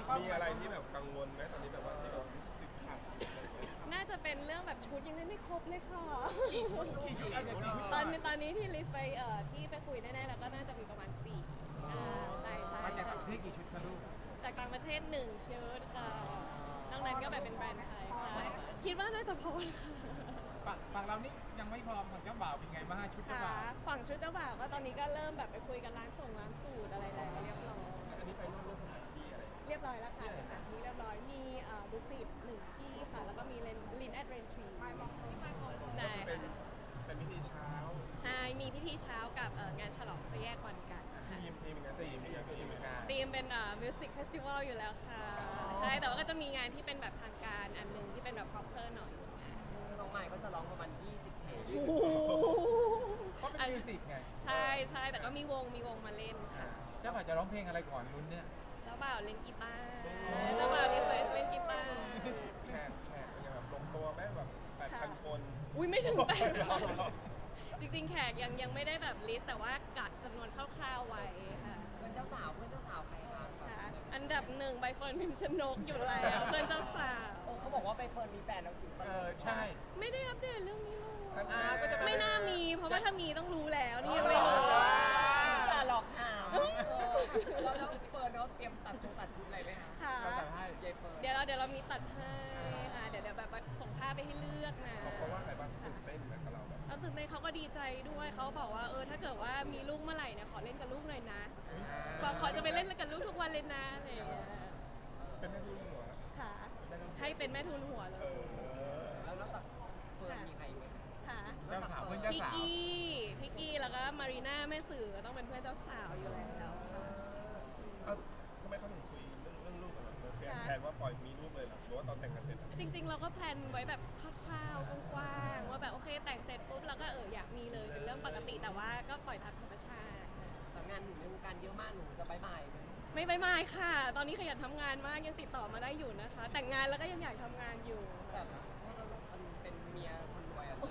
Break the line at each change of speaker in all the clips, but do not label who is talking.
มีอะไรที่แบบกังวลไหมตอนนี้แบบว่าที่แบบรู้สึกติดขัด
น่าจะเป็นเรื่องแบบชุดยังไม่ครบเลยค่ะ
กี่ชุดอันนี้
ตอนนี้ที่ลิสต์ไปที่ไปคุยแน่ๆแล้วก็น่าจะมีประมาณ4ใช่ใช่
มาจากต่างประเทศกี่ชุดคะลูก
จากต่างประเทศ1ชุดค่ะนอกนั้นก็แบบเป็นแบรนด์ไทยค่ะคิดว่าน่าจะพอค่ะ
ฝั่งเรานี่ยังไม่พร้อมฝั่งเจ้าบ่าวเป็นไงบ้างชุดเจ้า
ค่ะ
บ่าว
ฝั่งชุดเจ้าบ่าวก็ตอนนี้ก็เริ่มแบบไปคุยกันร้านสูตรอะไรแล้วเรียบร้อย
อันนี้ไฟนอลเรื่องสถานที่อะไร
เรียบร้อยแล้วค่ะสถานที่เรียบร้อยมีดุสิต1ที่ค่ะแล้วก็มีลินแอดเรนทรีได้
เป็น
ค่ะ
เป็นพิธีเช้า
ใช่มีพิธีเช้ากับงานฉลองจะแยกวันกันค่ะ
ทีมเป็นไงทีมเป็นไงทีมเป็นไง
ธีมเป็นมิวสิกเฟสติวัลอยู่แล้วค่ะ ใช่แต่ว่าก็จะมีงานที่เป็นแบบทางการอันหนึงที่เป็นแบบ proper หน่อย
น้องใหม่ก็จะร้องประมาณ 20 เพลง
โอ้โห
เพราะเป็นมิวสิกไง
ใช่ใช่แต่ก็มีวงมาเล่นค่ะ
เจ้าบ่าวจะร้องเพลงอะไรก่อนลุ้นเนี่ย
เจ้าบ่าวเล่นกีตาร์เจ้าบ่าวรีเควสเล่นกีตาร์
แขกเป็นไงแบบลงตัวไหมแบบ8,000 คน
อุ้ยไม่ถึงแปดจริงๆแขกยังไม่ได้แบบลิสต์แต่ว่ากะจำนวนคร่าวๆไว้ค่ะ
เพื่อนเจ้าสาวใครคะ
ค่ะอันดับ1ใบเฟิร์นพิมชนกอยู่แล้วเพื่อนเจ้าสาว
เขาบอกว่าไปเฟิร์นมีแฟนแล้วจริงปะ
ใช่
ไม่ได้อัปเดตเรื่องนี้เลย
ก็จะ
ไม่น่ามีเพราะว่าถ้ามีต้องรู้แล้วนี่ยังไม่รู้
อย่าหลอกถามแล้วเฟิร์นเขาเตรียมตัดชุดอะไรไหมคะ
ค่ะ
เราแต่ให้
ยายเฟิร์น
เดี๋ยวเรามีตัดให้ค่ะเดี๋ยวแบบว่าส่งภาพไปให้เลือกนะ
เขาว่าไงบ้างตื่นเต้นไหมกับเราแบบ
เขาตื่นเต้นเขาก็ดีใจด้วยเขาบอกว่าถ้าเกิดว่ามีลูกเมื่อไหร่เนี่ยขอเล่นกับลูกหน่อยนะบอกขอจะไปเล่นกับลูกทุกวันเลยนะอะไรอย่างเงี้ย
เป็นแม่ทุนหัว
ค่ะ ให้เป็นแม่ทุนหัวเลย
แล้วนอกจากเฟิร์นมีใครอีกไหมคะ
ค่ะ
เจ้าสาวเพื่อนเจ้า
พี่
สาว
กี้แล้วก็มารีน่าแม่สื่อก็ต้องเป็นเพื่อนเจ้าสาวอยู่แล้วค่ะ
ทำไมเขาถึงคุยเรื่องลูกกันล่ะแผนว่าปล่อยมีลูกเลยเหรอหรือว่าตอนแต่งกันเสร็จ
จริง ๆ เราก็แพลนไว้แบบคร่าวๆกว้างๆว่าแบบโอเคแต่งเสร็จปุ๊บเราก็อยากมีเลยเป็นเรื่องปกติแต่ว่าก็ปล่อยตามธรรมชาติ
แต่งานหนูในวงการเยอะมากหนูจะบายไหม
ไม่ค่ะ ตอนนี้ขยันทำงานมากยังติดต่อมาได้อยู่นะคะ แต่งงานแล้วก็ยังอยากทำงานอยู่
แต่เพราะมันเป็นเมียคนรวยอะ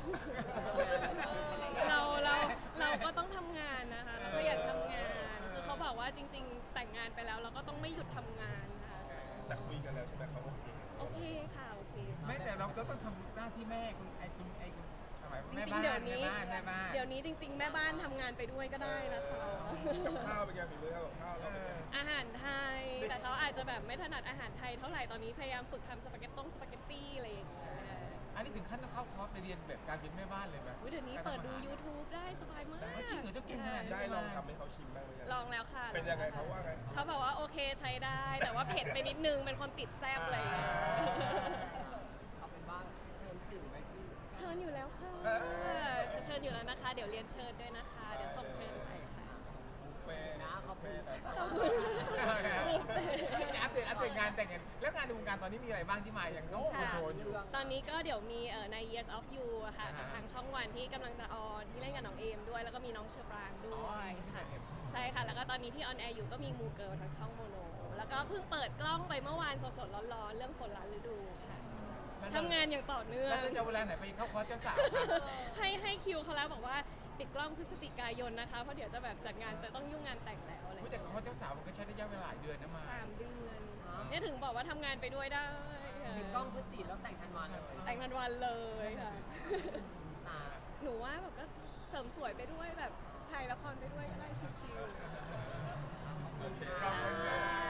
เราก็ต้องทำงานนะคะเราก็อยากทำงานคือเขาบอกว่าจริง ๆ แต่งงานไปแล้วเราก็ต้องไม่หยุดทำงานค่ะ
แต่คุยกันแล้วใช่ไหมเขาโอเค
โอเคค่ะโอเคค่ะ
ไม่แต่เราก็ต้องทำหน้าที่แม่คุณทำไม
จ
แม่
ริง
บ้า
ๆเดี๋ย
น
วนี้
แม่บ้าน
เดี๋ยวนี้จริง ๆ แม่บ้านทำงานไปด้วยก็ได้นะคะ
กับข้าวเป็นไงฝีมือกับข้าวเราเป็นไง
อาหารไทยแต่เขาอาจจะแบบไม่ถนัดอาหารไทยเท่าไหร่ตอนนี้พยายามฝึกทำสปาเกตตี้อะไรอย่างเงี้ย
อันนี้ถึงขั้นต้องเข้าคอร์สไปเรียนแบบการเป็นแม่บ้านเลยไหม
อุ๊ยเดี๋ยวนี้เปิดดู YouTube ได้สบายมาก
จริงเหรอเจ้าเก่งขนาดนี้
ได้ลองทำให้เขาชิมบ้างหรือยัง
ลองแล้วค่ะ
เป็นยังไงเขาว่าไง
เขาบอกว่าโอเคใช้ได้ แต่ว่าเผ็ดไปนิดนึงเป็นคนติดแซ่บเลย
เอาเป็นว่าเชิญสื่อไหมพี่
เชิญอยู่แล้วค่ะเชิญอยู่แล้วนะคะ เดี๋ยวเรียนเชิญด้วยนะคะ เดี๋ยวส่งเชิญไปค่ะ
บุฟเฟ่ต์
นะขอบคุณ
ขอบคุณค่ะ
อัปเดตงานแต่งงานแล้วงานในวงการตอนนี้มีอะไรบ้างที่มายังต้องคอนโทรลอยู่
ตอนนี้ก็เดี๋ยวมีใน Years of You อะค่ะกับทางช่องวันที่กำลังจะออนที่เล่นกับน้องเอมด้วย แล้วก็มีน้องเชอปรางด้วยค่ะ ใช่ค่ะ แล้วก็ตอนนี้ที่ออนแอร์อยู่ก็มีมูเกิลทางช่องโมโน แล้วก็เพิ่งเปิดกล้องไปเมื่อวานสดๆร้อนๆเรื่องฝนล้านฤดูค่ะทำงานอย่างต่อเนื่อง
แล้วจะเวลาไหนไปเข้าคอร์สเจ้าสาว
ให้คิวเขาแล้วบอกว่าปิดกล้องพฤศจิกายนนะคะ เพราะเดี๋ยวจะแบบจัดงานจะต้องยุ่งงานแต่งแล้วอะไร
แต่คอร์สเจ้าสาวมันก็ใช้ระยะเวลาหลายเดือนนะมา
3 เดือนเนี่ยถึงบอกว่าทำงานไปด้วยได้ค่ะ
ปิดกล้องพฤศจิแล้วแต่งธันวาเลย
แต่งทันวันเลยค่ะ
ตา
หนูว่าแบบก็เสริมสวยไปด้วยแบบถ่ายละครไปด้วยก็ได้ชิว
โอเค
ๆ